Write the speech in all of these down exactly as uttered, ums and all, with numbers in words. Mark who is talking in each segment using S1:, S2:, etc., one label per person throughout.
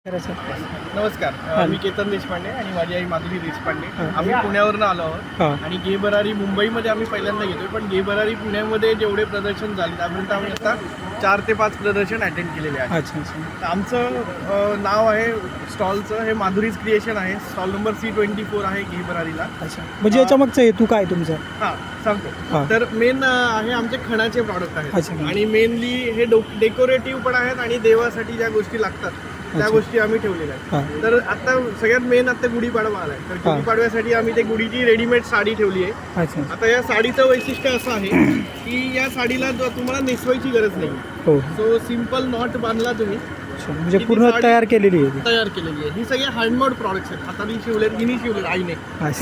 S1: नमस्कार, मी केतन देशपांडे आणि माझी आई माधुरी देशपांडे. आम्ही पुण्यावरून आलो आहोत आणि गे भरारी मुंबईमध्ये आम्ही पहिल्यांदा घेतोय, पण गे भरारी पुण्यामध्ये जेवढे प्रदर्शन झाले त्यापर्यंत आम्ही आता चार ते पाच प्रदर्शन अटेंड केलेले आहेत. अच्छा अच्छा. आमचं नाव आहे स्टॉलचं, हे माधुरीज क्रिएशन आहे. Stall number C twenty four आहे गे भरारीला.
S2: अच्छा, म्हणजे याच्या मागचा हेतू काय तुमचा?
S1: हां सांगतो. तर मेन आहे आमचे खणाचे प्रॉडक्ट आहेत आणि मेनली हे डेकोरेटिव्ह पण आहेत आणि देवासाठी ज्या गोष्टी लागतात त्या गोष्टी आम्ही ठेवलेल्या आहेत. तर आता सगळ्यात मेन आता गुढीपाडवा आलाय, तर गुढीपाडव्यासाठी आम्ही ते गुढीची रेडीमेड साडी ठेवली आहे. आता या साडीचं वैशिष्ट्य असं आहे की या साडीला तुम्हाला नेसवायची गरज नाही. सो सिम्पल नॉट बांधला तुम्ही,
S2: म्हणजे पूर्ण तयार केलेली आहे.
S1: तयार केलेली आहे. ही सगळे हँडमेड प्रॉडक्ट्स आहेत, हाताने शिवलेत, हिनी शिवलेत आईने.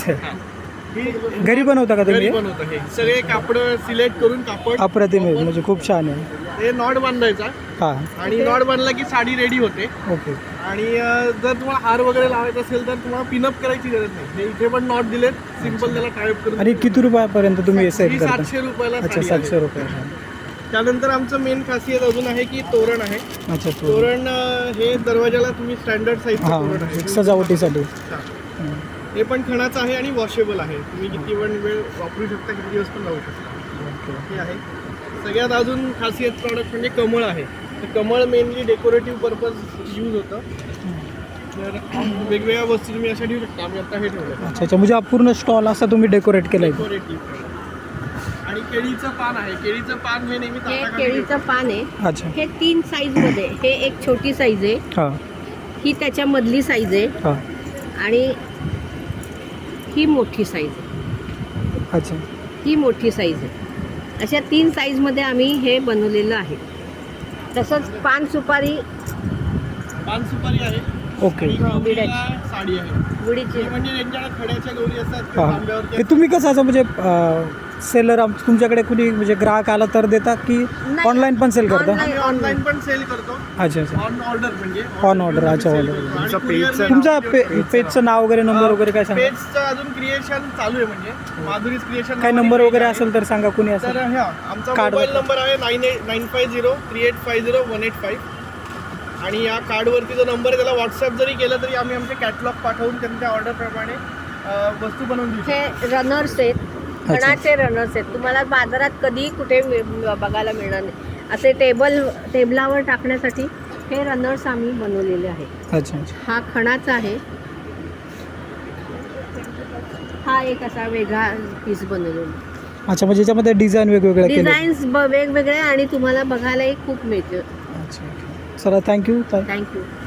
S2: घरी बनवता का तुम्ही?
S1: बनवतो. हे सगळे कापड सिलेक्ट करून कापड
S2: अप्रतिम आहे, म्हणजे खूप छान आहे.
S1: हे नॉट बांधायचा आणि नॉट बांधला की साडी रेडी होते.
S2: ओके.
S1: आणि जर तुम्हाला हार वगैरे लावायचा असेल तर तुम्हाला पिनअप करायची गरज नाही. हे इथे पण नॉट दिलेत, सिंपल त्याला टायअप करून.
S2: आणि किती रुपयापर्यंत तुम्ही सेट करता?
S1: सातशे रुपयाला.
S2: अच्छा, सातशे रुपये.
S1: त्यानंतर आमचं मेन खासियत अजून आहे की तोरण आहे.
S2: अच्छा,
S1: तोरण हे दरवाजाला तुम्ही स्टँडर्ड साईज तोरण आहे
S2: सजावटीसाठी.
S1: हे पण खणाचं आहे आणि वॉशेबल आहे. तुम्ही किती पण वेळ वापरू शकता, किती दिवस पण लावू शकता. हे आहे. सगळ्यात अजून खासियत प्रॉडक्ट म्हणजे कमळ आहे. तर कमळ मेनली डेकोरेटिव्ह पर्पज यूज होतं. तर वेगवेगळ्या वस्तू तुम्ही अशा ठेवू शकता. आम्ही आता हे ठेवलं.
S2: अच्छा अच्छा, म्हणजे पूर्ण स्टॉल असा तुम्ही डेकोरेट केलाय.
S1: डेकोरेटिव्ह. आणि केळीचं पान आहे. केळीचं पान हे नेहमी
S3: हे केळीचं पान आहे.
S2: अच्छा.
S3: हे तीन साईज मध्ये. हे एक छोटी साईज आहे,
S2: हां,
S3: ही त्याच्या मधली साईज आहे
S2: हां,
S3: आणि ही मोठी साईज आहे.
S2: अच्छा,
S3: ही मोठी साईज आहे. अशा तीन साईजमध्ये आम्ही हे बनवलेलं आहे. तसंच पान सुपारी
S1: पान सुपारी आहे.
S2: ओके.
S1: गौरीला साडी आहे.
S3: गुढीची
S1: म्हणजे ज्यांच्याकडे खड्याच्या गौरी असतात
S2: हां,
S1: तांब्यावरती.
S2: ते तुम्ही कसं असं म्हणजे सेलर तुमच्याकडे कुणी म्हणजे ग्राहक आला तर देता की ऑनलाईन पण सेल करता?
S1: आम्ही ऑनलाईन पण सेल करतो.
S2: अच्छा अच्छा,
S1: ऑन ऑर्डर म्हणजे
S2: ऑन ऑर्डर. अच्छा, ऑर्डर. तुमचा पेजचं नाव वगैरे, नंबर वगैरे काय सांगा?
S1: पेजचं अजून क्रिएशन चालू आहे, म्हणजे माधुरीज क्रिएशन.
S2: काय नंबर वगैरे असेल तर सांगा, कुणी असेल
S1: तर ह्या आमचा मोबाईल नंबर आहे nine eight nine five zero three eight five zero one eight five. आणि या कार्डवरती जो नंबर आहे त्याला व्हॉट्सअप जरी केलं तरी आम्ही आमचे कॅटलॉग पाठवून त्यांच्या ऑर्डरप्रमाणे वस्तू बनवून देऊ.
S3: हे रनर्स आहेत, खणाचे रनर्स आहेत. तुम्हाला बाजारात कधी कुठे बघायला मिळणार नाही. असे टेबल टेबलावर टाकण्यासाठी हे रनर्स आम्ही बनवलेले आहेत.
S2: अच्छा अच्छा.
S3: हा खणाचा आहे. हा एक असा वेगळा पीस बनवलेला.
S2: अच्छा, म्हणजे याच्यामध्ये डिझाईन वेगवेगळ्या केल्या.
S3: डिझाईन्स वेगवेगळे आणि तुम्हाला बघायलाही खूप मिळतं.
S2: अच्छा, चला, थँक्यू.
S3: थँक्यू.